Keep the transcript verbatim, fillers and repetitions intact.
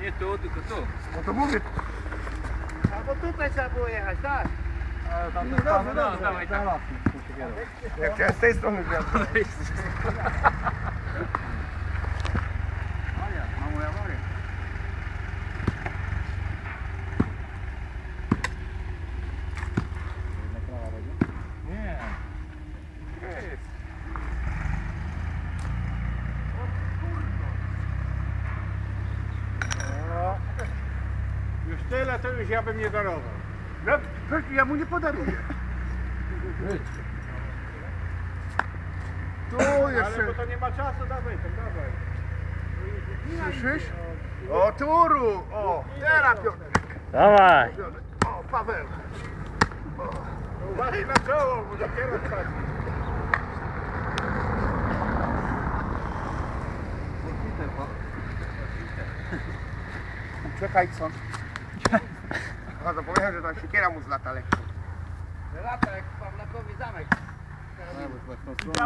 Nie tu, tylko tu. No to mówię. Albo tutaj trzeba było jechać, tak? No dobrze, dobrze. Dawaj, tak. Ja chciałem z tej strony wjazd. Mało awaria. Nie. Jest. O, już tyle, to już ja bym nie darował. No, przecież ja mu nie podaruję. Tu Ale jeszcze. bo to nie ma czasu, dawaj, to dawaj. Słyszysz? O, Turu! O, teraz Piotr. Dawaj. O, Paweł. Uważaj na czoło, bo dopiero spadnie. Czekaj, co? A zapomniałem, że tam siekiera mu zlata lekko. Lata jak Pawlakowi zamek.